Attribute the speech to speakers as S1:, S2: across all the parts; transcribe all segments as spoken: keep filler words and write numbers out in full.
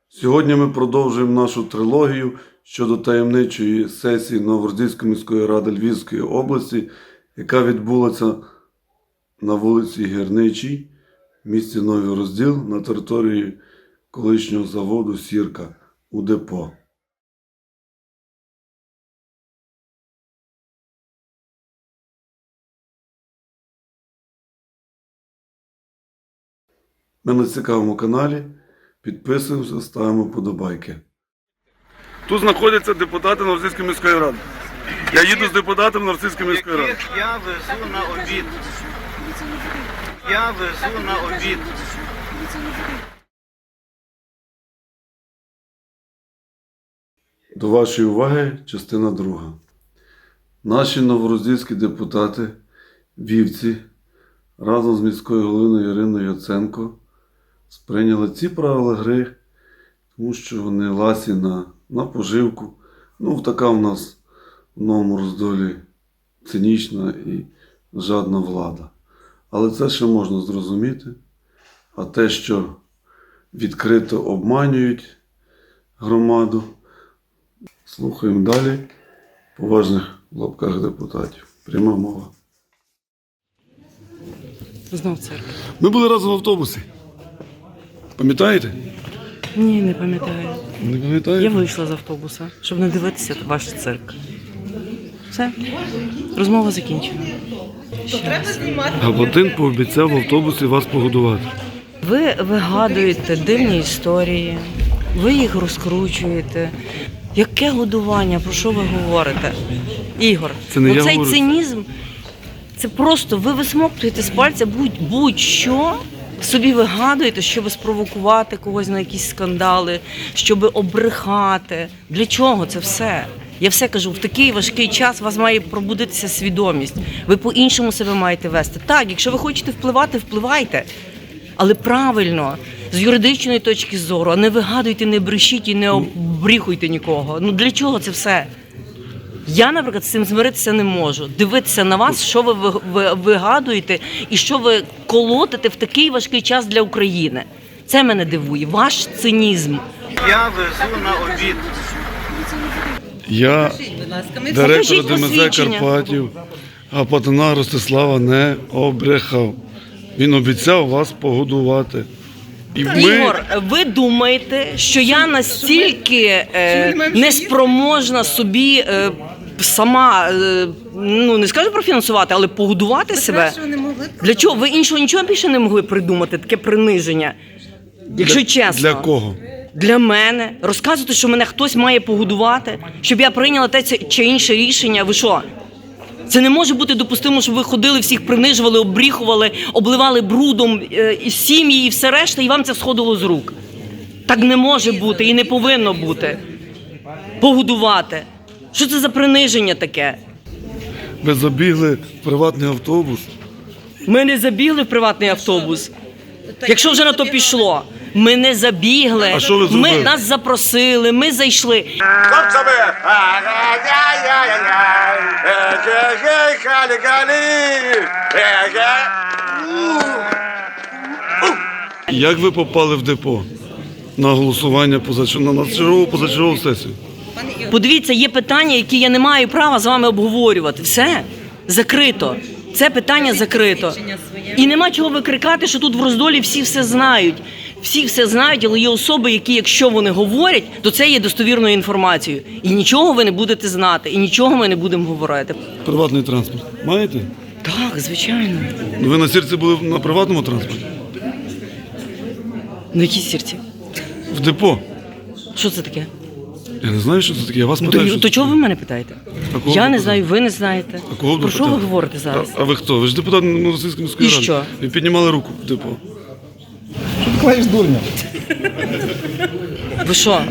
S1: Сьогодні ми продовжуємо нашу трилогію щодо таємничої сесії Новороздільської міської ради Львівської області, яка відбулася на вулиці Гірничій, в місті Новий Розділ, на території колишнього заводу «Сірка» у депо. Ми на цікавому каналі. Підписуємося, ставимо подобайки. Тут знаходяться депутати Новороздільської міської ради. Я їду з депутатом Новороздільської міської ради.
S2: Я везу на обід. Я везу на обід.
S1: До вашої уваги частина друга. Наші новороздільські депутати, вівці, разом з міською головою Іриною Яценко сприйняли ці правила гри, тому що вони ласі на, на поживку. Ну, така в нас в Новому Роздолі цинічна і жадна влада. Але це ще можна зрозуміти. А те, що відкрито обманюють громаду, слухаємо далі поважних в лапках депутатів. Пряма мова.
S3: Знов церква.
S1: Ми були разом в автобусі. Пам'ятаєте?
S3: Ні, не пам'ятаю.
S1: Не пам'ятаєте?
S3: Я вийшла з автобуса, щоб не дивитися ваш цирк. Все. Розмова закінчена.
S1: Габатин пообіцяв в автобусі вас погодувати.
S3: Ви вигадуєте дивні історії, ви їх розкручуєте. Яке годування? Про що ви говорите? Ігор,
S1: Це не я
S3: оцей
S1: говорю.
S3: цинізм, це просто ви висмоктуєте з пальця будь- будь-що, собі вигадуєте, щоб спровокувати когось на якісь скандали, щоб обрехати. Для чого це все? Я все кажу, в такий важкий час у вас має пробудитися свідомість. Ви по-іншому себе маєте вести. Так, якщо ви хочете впливати, впливайте. Але правильно, з юридичної точки зору, а не вигадуйте, не брешіть і не обріхуйте нікого. Ну для чого це все? Я, наприклад, з цим змиритися не можу. Дивитися на вас, що ви ви- ви- вигадуєте і що ви колотите в такий важкий час для України. Це мене дивує. Ваш цинізм.
S2: Я везу на обід.
S1: Я, директор
S3: Покажіть
S1: ДМЗ
S3: посвідчення.
S1: Карпатів, Гапатина Ростислава не обрехав. Він обіцяв вас погодувати. І ми...
S3: Ігор, ви думаєте, що я настільки е, неспроможна собі е, сама, е, ну не скажу профінансувати, але погодувати себе? Для чого? Ви іншого нічого більше не могли придумати, таке приниження? Якщо чесно.
S1: Для кого?
S3: Для мене. Розказувати, що мене хтось має погодувати, щоб я прийняла те це- чи інше рішення. Ви що? Це не може бути допустимо, щоб ви ходили, всіх принижували, обріхували, обливали брудом е, і сім'ї і все решта, і вам це сходило з рук. Так не може бути і не повинно бути. Погодувати. Що це за приниження таке?
S1: Ви забігли в приватний автобус.
S3: Ми не забігли в приватний автобус. Якщо вже на то пішло. Ми не забігли.
S1: А що ви
S3: Ми
S1: зробили?
S3: нас запросили, ми зайшли.
S2: Хлопцями!
S1: Як ви попали в депо на голосування позачергову, на чергову позачергову сесію?
S3: Подивіться, є питання, які я не маю права з вами обговорювати. Все, закрито. Це питання закрито. І нема чого викрикати, що тут в Роздолі всі все знають. Всі все знають, але є особи, які, якщо вони говорять, то це є достовірною інформацією. І нічого ви не будете знати, і нічого ми не будемо говорити.
S1: Приватний транспорт. Маєте?
S3: Так, звичайно.
S1: Ну, ви на Сірці були на приватному транспорті?
S3: На якій сірці?
S1: В депо.
S3: Що це таке?
S1: Я не знаю, що це таке. Я вас
S3: Ну,
S1: питаю,
S3: то,
S1: що
S3: то
S1: це
S3: чого
S1: таке.
S3: ви мене питаєте?
S1: А кого
S3: Я
S1: ви
S3: не
S1: питаєте?
S3: знаю, ви не знаєте.
S1: А кого ви
S3: Про що ви
S1: питаєте?
S3: говорите зараз?
S1: А, а ви хто? Ви ж депутат Новороссийської міської
S3: І
S1: ради.
S3: що?
S1: Ви піднімали руку в депо.
S4: Клаєш дурня.
S3: Ви що?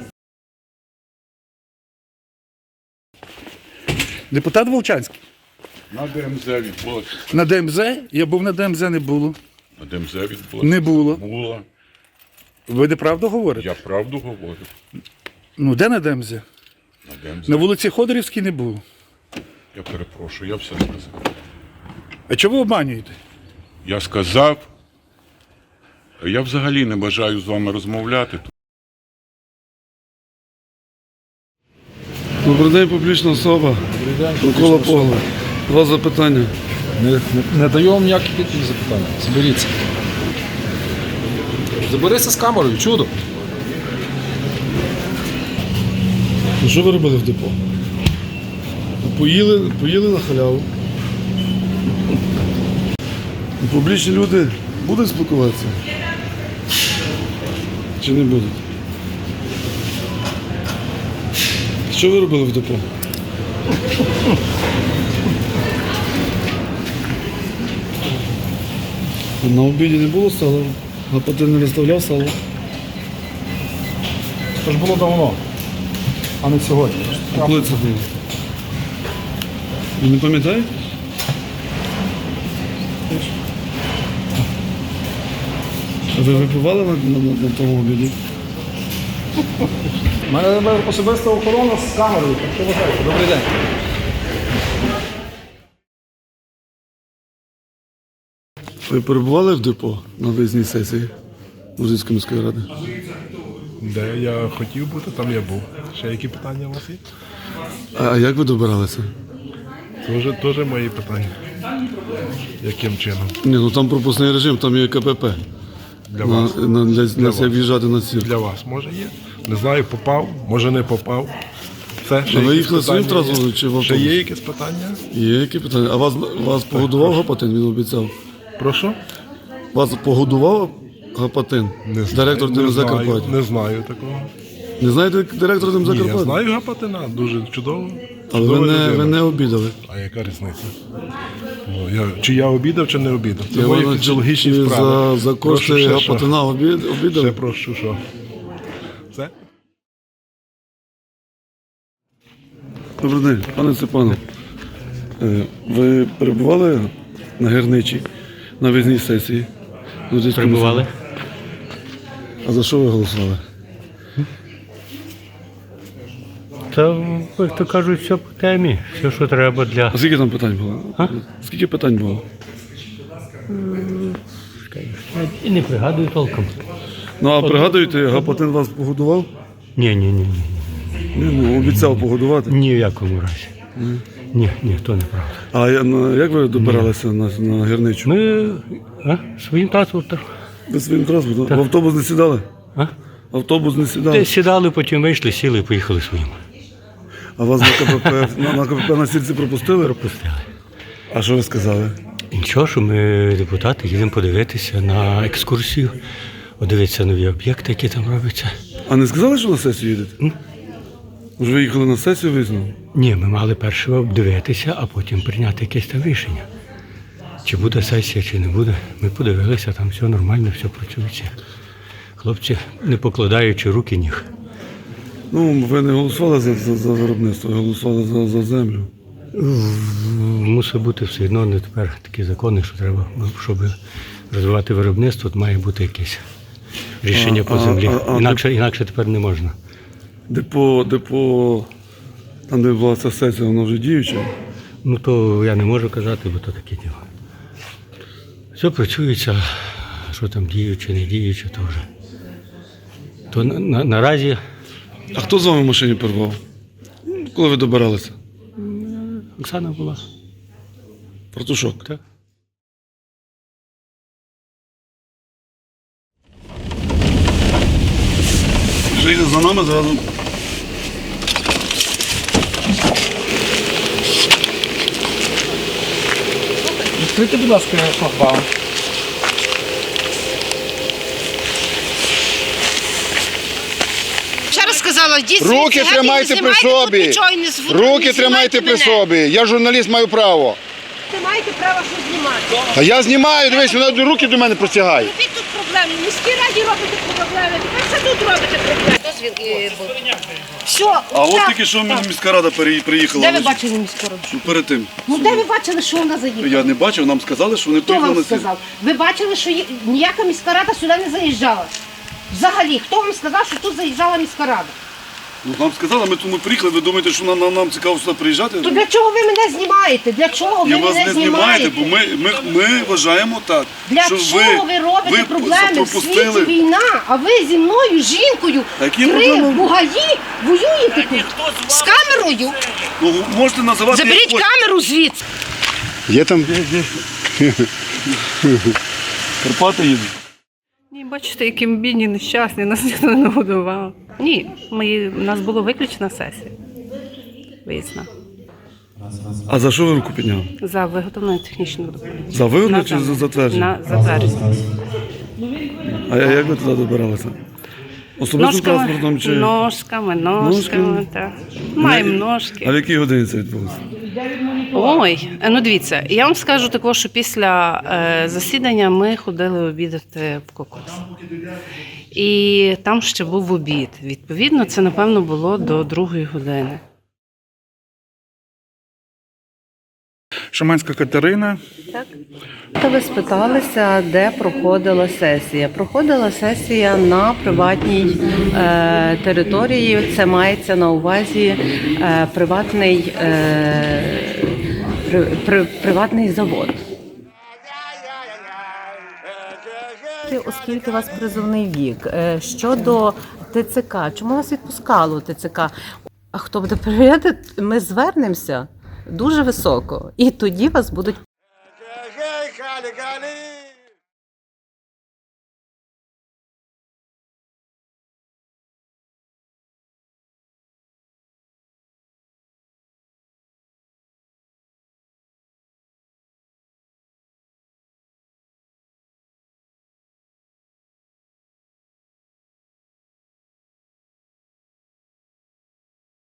S4: Депутат Волчанський.
S5: На ДМЗ відбулося.
S4: На ДМЗ? Я був на ДМЗ, не було.
S5: На ДМЗ відбулося.
S4: Не було.
S5: Було.
S4: Ви неправду говорите?
S5: Я правду говорю.
S4: Ну, де на ДМЗ?
S5: На ДМЗ.
S4: На вулиці Ходорівській не було.
S5: Я перепрошую, я все сказав.
S4: А чого ви обманюєте?
S5: Я сказав, я взагалі не бажаю з вами розмовляти.
S1: Добрий день, публічна особа. Микола Погло. Два запитання.
S6: Не, не, не даю вам ніяких відповідей запитання. Заберіться. Заберися з камерою, чудо.
S1: Ну, що ви робили в депо? Поїли, поїли на халяву. Публічні люди будуть спілкуватися? Чи не будуть? Що ви робили в депо? На обіді не було сала? Гапатин не виставляв сало?
S6: Це ж було давно, а не сьогодні.
S1: А коли це було? Ви не пам'ятаєте? А ви випивали на, на, на, на тому обіді?
S6: У мене особиста охорона з камерою, так що вважаєте. Добрий день.
S1: Ви перебували в депо на виїзній сесії Лужицької міської ради?
S7: Де я хотів бути, там я був. Ще які питання у вас є?
S1: А як ви добиралися?
S7: Це вже теж мої питання. Яким чином?
S1: Ні, ну там пропускний режим, там є КПП.
S7: Для
S1: На,
S7: вас.
S1: на, для, для,
S7: вас.
S1: як в'їжджати на сір.
S7: Для вас може є? Не знаю, попав, може не попав. Все, ще
S1: А ви
S7: якісь
S1: їхали своїм
S7: питання є?
S1: транспортом чи в
S7: Ще
S1: автобусі?
S7: є якісь питання?
S1: Є які питання? А вас, вас погодував Гапатин, він обіцяв?
S7: Прошу?
S1: Вас погодував Гапатин?
S7: Не знаю.
S1: Директор
S7: не
S1: ДМЗ
S7: знаю,
S1: Закарпаття?
S7: не знаю такого.
S1: Не знаєте директора ДМЗ
S7: Ні, я
S1: Закарпаття?
S7: знаю Гапатина, дуже чудово.
S1: Але ви
S7: Чудова
S1: не,
S7: людина.
S1: ви не обідали.
S7: А яка різниця? Ну, я, чи я обідав, чи не обідав? Це
S1: Я
S7: мої
S1: вважаю,
S7: фізіологічні
S1: чи
S7: справи.
S1: За, за
S7: Прошу,
S1: кошти
S7: ще що?
S1: Гапатина обід, обідали?
S7: Ще прошу, що? Все?
S1: Добрий день, пане Степане. Е, Ви перебували на Герничі на виїзній сесії? Лужицької
S8: Перебували.
S1: міської? А за що ви голосували?
S8: Та, як то кажуть, все по темі, все, що треба для.
S1: А скільки там питань було?
S8: А?
S1: Скільки питань було?
S8: І не пригадую толком.
S1: Ну а пригадуєте, Гапатин вас погодував?
S8: Ні, ні, ні, ні.
S1: Ні, ну обіцяв погодувати.
S8: Ні в якому разі. Ні, ні, то неправда.
S1: А я- на- як ви добиралися на, на Герничу?
S8: Ми а, своїм транспортом.
S1: Ви своїм транспортом? В автобус не сідали?
S8: А?
S1: В автобус не сідали?
S8: Де сідали, потім вийшли, сіли і поїхали своїм.
S1: А вас на КПП, на, на КПП на сільці пропустили?
S8: Пропустили.
S1: А що ви сказали?
S8: І нічого, що ми, депутати, їдемо подивитися на екскурсію, подивитися нові об'єкти, які там робляться.
S1: А не сказали, що на сесію їдете? Може, ви їхали на сесію визнав?
S8: Ні, ми мали першого обдивитися, а потім прийняти якесь там рішення. Чи буде сесія, чи не буде. Ми подивилися, там все нормально, все працюється. Хлопці, не покладаючи руки ніг.
S1: Ну, ви не голосували за, за, за виробництво, ви голосували за, за землю.
S8: Мусить бути все одно не тепер такі закони, що треба, щоб розвивати виробництво, то має бути якесь рішення
S1: А,
S8: по
S1: а,
S8: землі.
S1: а, а,
S8: Інакше, інакше тепер не можна.
S1: Депо, депо, там, де була ця сесія, воно вже діюче.
S8: Ну то я не можу казати, бо то таке діло. Все працюється, що там діюче, не діюче, то вже. То на, на, наразі
S1: А хто з вами в машині перебував? Коли ви добиралися?
S8: Оксана була.
S1: Партушок.
S8: Так.
S1: Вже йде за нами зразу.
S6: Відкрийте, будь ласка, шлагбаум.
S9: Ще раз сказала, йдіть звідси,
S10: Руки
S9: геть, і не
S10: тримайте при
S9: знімайте тут
S10: собі.
S9: нічого, і не зв- не
S10: Руки
S9: знімайте
S10: тримайте при
S9: мене.
S10: собі. Я журналіст, маю право.
S9: Ви маєте право що знімати.
S10: А я знімаю, дивись, вона руки до мене простягає.
S9: Робіть тут проблеми. В міській раді робите проблеми. Тепер все тут робите проблеми. Дозвіл і був. Все,
S1: А от
S9: так,
S1: тільки що
S9: так.
S1: міська рада пере- приїхала.
S9: Де ви
S1: лише.
S9: бачили міську раду?
S1: Ну, перед тим.
S9: Ну де ви бачили, що вона заїхала?
S1: Я не бачив, нам сказали, що вони
S9: Хто
S1: приїхали
S9: вам
S1: на сесію.
S9: сказав? Ви бачили, що є- ніяка міська рада сюди не заїжджала? Взагалі, хто вам сказав, що тут заїжджала міська рада?
S1: Ну нам сказали, ми тому приїхали, ви думаєте, що нам, нам, нам цікаво сюди приїжджати?
S9: То для чого ви мене знімаєте? Для чого ви
S1: Я вас
S9: мене
S1: не знімаєте,
S9: знімаєте?
S1: бо ми, ми, ми вважаємо так,
S9: Для
S1: що
S9: чого ви, робите
S1: ви
S9: проблеми? В світі
S1: пропустили.
S9: війна, а ви зі мною, жінкою,
S1: Які
S9: три
S1: проблеми?
S9: бугаї, воюєте тут з камерою.
S1: Ну, можете називати
S9: Заберіть
S1: як хочете.
S9: камеру звідси.
S10: Є там?
S1: Карпати їдуть.
S11: Ні, бачите, які ми бідні, нещасні, нас ніхто не годував. Ні, ми, у нас була виключена сесія. Виїзна.
S1: А за що ви руку підняли?
S11: За виготовлення технічного документу.
S1: За виготовлення
S11: На
S1: чи за
S11: замок.
S1: затвердження?
S11: На затвердження.
S1: А як ви туди добиралися? Особистим транспортом чи?
S11: ножками, ножками,
S1: Ножками?
S11: так. Маємо
S1: А
S11: ножки.
S1: в якій годині це відбулося?
S11: Ой, ну дивіться, я вам скажу також, що після е, засідання ми ходили обідати в Кокос. І там ще був обід. Відповідно, це, напевно, було до другої години.
S4: Шаманська Катерина.
S3: Та ви спиталися, де проходила сесія. Проходила сесія на приватній е, території. Це мається на увазі е, приватний, е, при, при, приватний завод. Оскільки у вас призовний вік, е, щодо ТЦК, чому вас відпускало ТЦК? А хто буде перевіряти? Ми звернемося дуже високо, і тоді вас будуть.
S10: Халі, халі.